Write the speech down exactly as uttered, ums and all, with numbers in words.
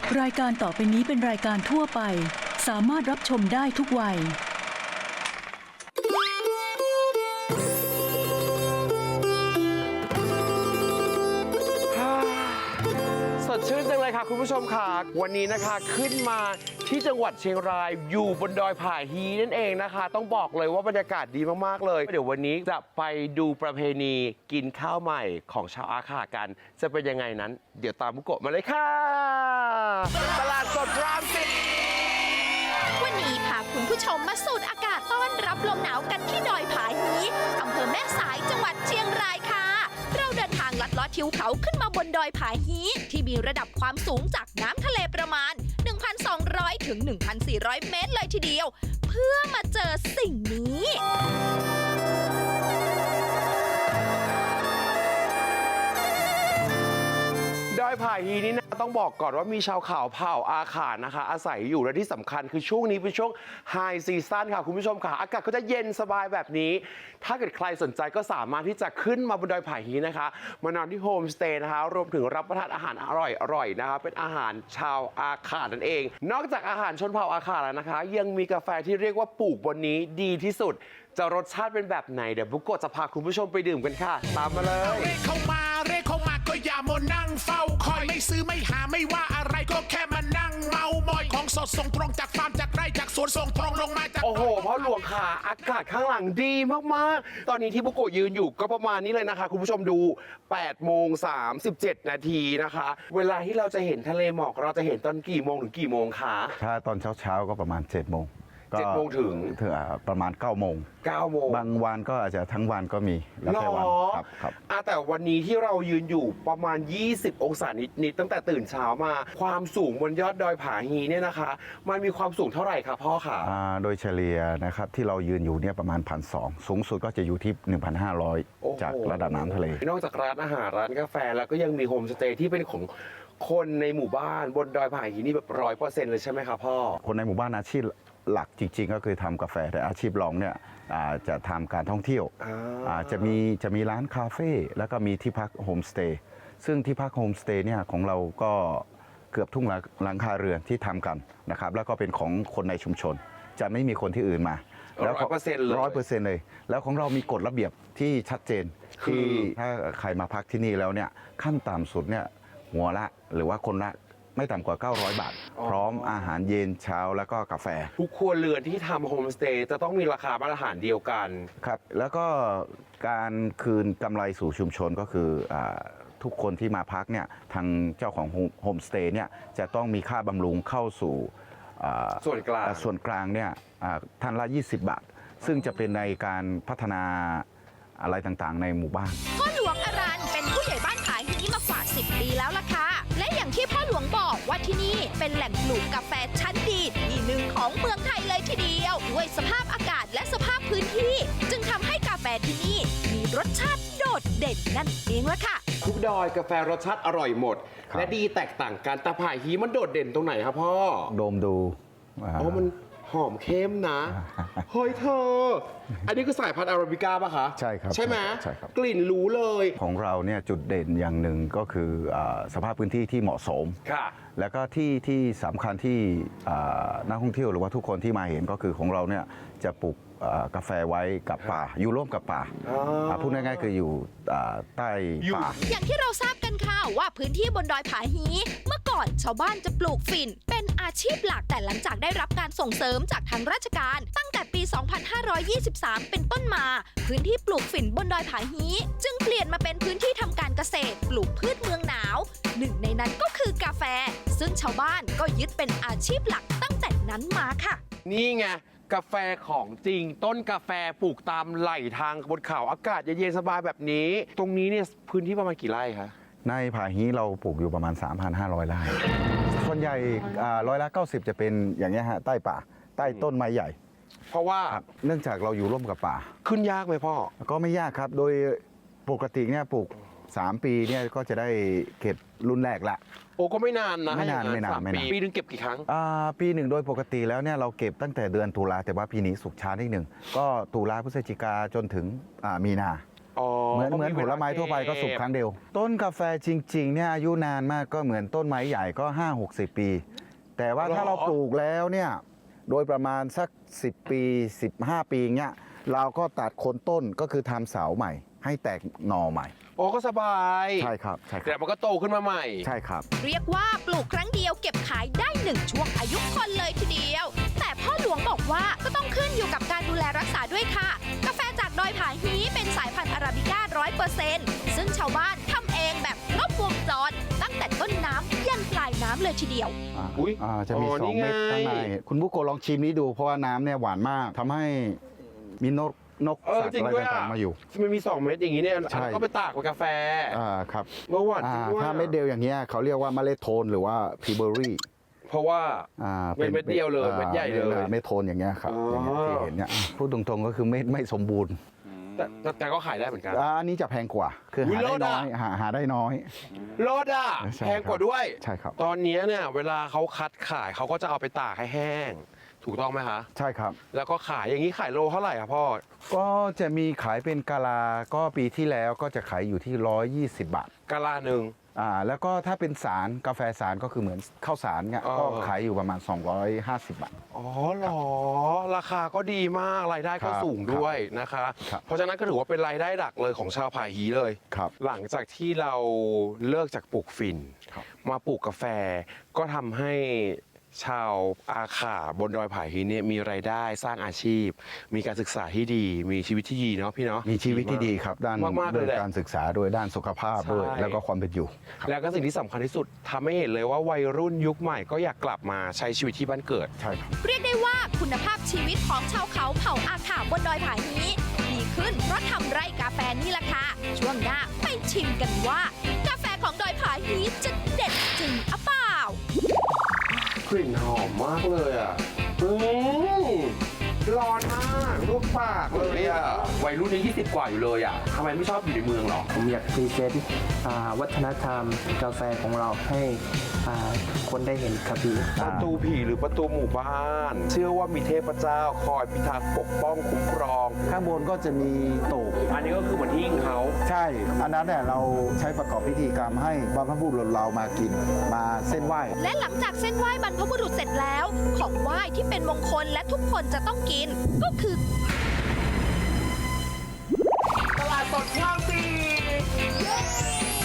รายการต่อไปนี้เป็นรายการทั่วไปสามารถรับชมได้ทุกวัยสดชื่นจังเลยค่ะคุณผู้ชมค่ะวันนี้นะคะขึ้นมาที่จังหวัดเชียงรายอยู่บนดอยผาฮีนั่นเองนะคะต้องบอกเลยว่าบรรยากาศดีมากๆเลยเดี๋ยววันนี้จะไปดูประเพณีกินข้าวใหม่ของชาวอาขากันจะเป็นยังไงนั้นเดี๋ยวตามบุโกะมาเลยค่ะตลาดสดรามสิบวันนี้พาคุณผู้ชมมาสูดอากาศต้อนรับลมหนาวกันที่ดอยผาฮีอำเภอแม่สายจังหวัดเชียงรายค่ะเราเดินทางลัดเลาะทิวเขาขึ้นมาบนดอยผาฮีที่มีระดับความสูงจากน้ำทะเลประมาณ หนึ่งพันสองร้อย ถึง หนึ่งพันสี่ร้อย เมตรเลยทีเดียวเพื่อมาเจอสิ่งนี้ดอยผาฮีนี่นะต้องบอกก่อนว่ามีชาวเขาเผ่าอาขานะคะอาศัยอยู่และที่สำคัญคือช่วงนี้เป็นช่วงไฮซีซั่นค่ะคุณผู้ชมค่ะอากาศก็จะเย็นสบายแบบนี้ถ้าเกิดใครสนใจก็สามารถที่จะขึ้นมาบนดอยผาฮีนะคะมานอนที่โฮมสเตย์นะคะรวมถึงรับประทานอาหารอร่อยๆนะคะเป็นอาหารชาวอาขานั่นเองนอกจากอาหารชนเผ่าอาขาแล้วนะคะยังมีกาแฟที่เรียกว่าปลูกบนนี้ดีที่สุดจะรสชาติเป็นแบบไหนเดี๋ยวบุกโกะจะพาคุณผู้ชมไปดื่มกันค่ะตามมาเลยเรียกเข้ามาเรียกเข้ามาก็อย่ามัวนั่งเฝ้าคอยไม่ซื้อไม่หาไม่ว่าอะไรก็แค่มานั่งเมามอยของสดส่งตรงจากฟาร์มจากไร่จากสวนส่งตรงลงมาจากโอ้โหพ่อหลวงค่ะอากาศข้างหลังดีมากๆตอนนี้ที่บุกโกะยืนอยู่ก็ประมาณนี้เลยนะคะคุณผู้ชมดูแปดโมงสามสิบเจ็ดนาทีนะคะเวลาที่เราจะเห็นทะเลหมอกเราจะเห็นตอนกี่โมงถึงกี่โมงคะถ้าตอนเช้าๆก็ประมาณเจ็ดโมงเจ็ดโมงถึงถึงประมาณเก้าโมงเก้าโมงบางวันก็อาจจะทั้งวันก็มีแล้วแต่วันครับครับแต่วันนี้ที่เรายืนอยู่ประมาณยี่สิบองศานิดๆตั้งแต่ตื่นเช้ามาความสูงบนยอดดอยผาฮีเนี่ยนะคะมันมีความสูงเท่าไหร่ครับพ่อคะโดยเฉลี่ยนะครับที่เรายืนอยู่เนี่ยประมาณ หนึ่งพันสองร้อย สูงสุดก็จะอยู่ที่ หนึ่งพันห้าร้อย จากระดับน้ำทะเลนอกจากร้านอาหารร้านกาแฟแล้วก็ยังมีโฮมสเตย์ที่เป็นของคนในหมู่บ้านบนดอยผาฮีนี่แบบร้อยเปอร์เซ็นต์เลยใช่ไหมครับพ่อคนในหมู่บ้านอาชีพหลักจริงๆก็คือทำกาแฟแต่อาชีพรองเนี่ยจะทำการท่องเที่ยวจะมีจะมีร้านคาเฟ่แล้วก็มีที่พักโฮมสเตย์ซึ่งที่พักโฮมสเตย์เนี่ยของเราก็เกือบทุกหลังคาเรือนที่ทำกันนะครับแล้วก็เป็นของคนในชุมชนจะไม่มีคนที่อื่นมาแล้วร้อยเปอร์เซ็นต์เลยร้อยเปอร์เซ็นต์เลยแล้วของเรามีกฎระเบียบที่ชัดเจนที่ถ้าใครมาพักที่นี่แล้วเนี่ยขั้นต่ำสุดเนี่ยหัวละหรือว่าคนละไม่ต่ำกว่าเก้าร้อยบาทพร้อมอาหารเย็นเช้าแล้วก็กาแฟทุกครัวเรือนที่ทำโฮมสเตย์จะต้องมีราคามาตรฐานเดียวกันครับแล้วก็การคืนกำไรสู่ชุมชนก็คือทุกคนที่มาพักเนี่ยทางเจ้าของโฮมสเตย์เนี่ยจะต้องมีค่าบำรุงเข้าสู่ส่วนกลางส่วนกลางเนี่ยท่านละยี่สิบบาทซึ่งจะเป็นในการพัฒนาอะไรต่างๆในหมู่บ้านพ่อหลวงอรัญเป็นผู้ใหญ่บ้านผาฮีมากว่าสิบปีแล้วล่ะค่ะและอย่างที่พ่อหลวงบอกว่าที่นี่เป็นแหล่งปลูกกาแฟชั้นดีที่หนึ่งของเมืองไทยเลยทีเดียวด้วยสภาพอากาศและสภาพพื้นที่จึงทำให้กาแฟที่นี่มีรสชาติโดดเด่นนั่นเองล่ะค่ะทุกดอยกาแฟรสชาติอร่อยหมดและดีแตกต่างกันแต่ผาฮีมันโดดเด่นตรงไหนครับพ่อดมดูอ๋อมันหอมเข้มนะเฮ้ยเธออันนี้คือสายพันธุ์อาราบิก้าป่ะคะใช่ครับใช่ไหมใช่ครับกลิ่นรู้เลยของเราเนี่ยจุดเด่นอย่างหนึ่งก็คือสภาพพื้นที่ที่เหมาะสมค่ะแล้วก็ที่ที่สำคัญที่นักท่องเที่ยวหรือว่าทุกคนที่มาเห็นก็คือของเราเนี่ยจะปลูกกาแฟไว้กับป่าอยู่ร่วมกับป่าพูดง่ายๆคืออยู่ใต้ป่าอย่างที่เราทราบกันค่ะว่าพื้นที่บนดอยผาฮีเมื่อก่อนชาวบ้านจะปลูกฝิ่นเป็นอาชีพหลักแต่หลังจากได้รับการส่งเสริมจากทางราชการตั้งแต่ปี สองพันห้าร้อยยี่สิบสาม เป็นต้นมาพื้นที่ปลูกฝิ่นบนดอยผาฮีจึงเปลี่ยนมาเป็นพื้นที่ทำการเกษตรปลูกพืชเมืองหนาวหนึ่งในนั้นก็คือกาแฟซึ่งชาวบ้านก็ยึดเป็นอาชีพหลักตั้งแต่นั้นมาค่ะนี่ไงกาแฟของจริงต้นกาแฟปลูกตามไหล่ทางบนเขาอากาศเย็นสบายแบบนี้ตรงนี้เนี่ยพื้นที่ประมาณกี่ไร่คะในผาฮีเราปลูกอยู่ประมาณ สามพันห้าร้อย ไร่ส่วนใหญ่ร้อยละเก้าสิบจะเป็นอย่างนี้ฮะใต้ป่าใต้ต้นไม้ใหญ่เพราะว่าเนื่องจากเราอยู่ร่วมกับป่าขึ้นยากไหมพ่อก็ไม่ยากครับโดยปกติเนี่ยปลูกสามปีเนี่ยก็จะได้เก็บรุ่นแรกละโอ้ก็ไม่นานนะไม่นานไม่นานไม่นานปีนึงเก็บกี่ครั้งอ่าปีหนึ่งโดยปกติแล้วเนี่ยเราเก็บตั้งแต่เดือนตุลาแต่ว่าปีนี้สุกช้านิดหนึ่งก็ตุลาพฤศจิกาจนถึงมีนาอ๋อเหมือนก็เหมือนมีผเวลลาไม้ทั่วไปเก็บก็สุกครั้งเดียว ต้นกาแฟจริงๆเนี่ยอายุนานมากก็เหมือนต้นไม้ใหญ่ก็ ห้าหกสิบ ปี แต่ว่าถ้าเราปลูกแล้วเนี่ยโดยประมาณสัก สิบ ปี สิบห้า ปีเงี้ยเราก็ตัดโคนต้นก็คือทำเสาใหม่ ให้แตกหน่อใหม่โอ้ก็สบายใช่ครับใช่คเดี๋รัยบวมันก็โตขึ้นมาใหม่ใช่ครับเรียกว่าปลูกครั้งเดียวเก็บขายได้หนึ่งช่วงอายุคนเลยทีเดียว แต่พ่อหลวงบอกว่าก็ต้องขึ้นอยู่กับการดูแลรักษาด้วยค่ะ กาแฟจากดอยผาฮีเป็นสายพันธุ์อาราบิก้าร้อยเปอร์เซ็นต์ซึ่งชาวบ้านทำเองแบบครบวงจรตั้งแต่ต้นน้ำยันปลายน้ำเลยทีเดียวอ่าอุ๊ยอ่าจะมีอ๋อสองนี่ไงเม็ดข้างในคุณบุโกะลองชิมนี้ดูเพราะว่าน้ำเนี่ยหวานมากทำให้มีนกนกเออสัตว์จริงอะไรด้วยต่าอ่ะงๆมาอยู่มันมีสองเม็ดอย่างนี้เนี่ยใช่ก็ไปตากกับกาแฟอ่าครับเมื่อวานอ่าจริงด้วยถ้าเม็ดเดียวอย่างเงี้ยเขาเรียกว่าเมล็ดโทนหรือว่าพีเบอรี่เพราะว่าอ่าเป็นเม็ดเดียวเลยอ่าเม็ดใหญ่เลยเม็ดโทนอย่างเงี้ยครับอ๋อออย่างเงี้ยที่เห็นเนี่ยพูดตรงๆก็คือเม็ดไม่สมบูรณ์แต่แต่แต่ก็ขายได้เหมือนกันอ่าอันนี้จะแพงกว่าคืออุ๊ยหาได้เลิศน้อะอยหาหาได้น้อยรถอ่ะใช่แพงกว่าด้วยใช่ครับตอนนี้เนี่ยเวลาเขาคัดขายเขาก็จะเอาไปตากให้แห้ง ถูกต้องไหมคะใช่ครับแล้วก็ขายอย่างนี้ขายโลเท่าไหร่ครับพ่อก็จะมีขายเป็นกะลาก็ปีที่แล้วก็จะขายอยู่ที่ร้อยยี่สิบบาทกะลาหนึ่งอ่าแล้วก็ถ้าเป็นสารกาแฟสารก็คือเหมือนข้าวสารเนี่ยอ๋อก็ขายอยู่ประมาณ สองร้อยห้าสิบบาทอ๋อเหรอ ราคาก็ดีมาก รายได้ก็ครับสูงด้วยนะคะครับเพราะฉะนั้นก็ถือว่าเป็นรายได้หลักเลยของชาวผาฮีเลยครับหลังจากที่เราเลิกจากปลูกฝิ่นครับมาปลูกกาแฟ ก็ทำให้ชาวอาขาบนดอยผาฮีเนี่ยมีรายได้สร้างอาชีพ มีการศึกษาที่ดี มีชีวิตที่ดีเนาะพี่เนาะมีชีวิตที่ดีครับ ด้านมากๆเลยด้านแหละการศึกษาด้วยด้านสุขภาพด้วยใช่แล้วก็ความเป็นอยู่แล้วก็สิ่งที่สำคัญที่สุดทำให้เห็นเลยว่าวัยรุ่นยุคใหม่ก็อยากกลับมาใช้ชีวิตที่บ้านเกิดใช่ครับเรียกได้ว่าคุณภาพชีวิตของชาวเขาเผ่าอาขาบนดอยผาฮีดีขึ้นเพราะทำไร่กาแฟนี่แหละค่ะ ช่วงหน้าไปชิมกันว่า กาแฟของดอยผาฮีจะเด็ดจริงอะเปล่ากลิ่นหอมมากเลยอ่ะอืมร้อนมากรูปปากเลยอ่ะ วัยรุ่นนี้ยี่สิบกว่าอยู่เลยอ่ะทำไมไม่ชอบอยู่ในเมืองหรอผมอยากพรีเซนต์อ่าวัฒนธรรมกาแฟของเราให้อ่าคนได้เห็นครับพี่ประตูผีหรือประตูหมู่บ้าน เชื่อว่ามีเทพเจ้าคอยพิทักษ์ปกป้องคุ้มครองข้างบนก็จะมีโตกอันนี้ก็คือเหมือนหิ้งเขาใช่ อันนั้นเนี่ยเราใช้ประกอบพิธีกรรมให้บรรพบุรุษเรามากินมาเส้นไหว้และหลังจากเส้นไหว้บรรพบุรุษเสร็จแล้ว ของไหว้ที่เป็นมงคลและทุกคนจะต้องกิน ก็คือตลาดสดคลองสี่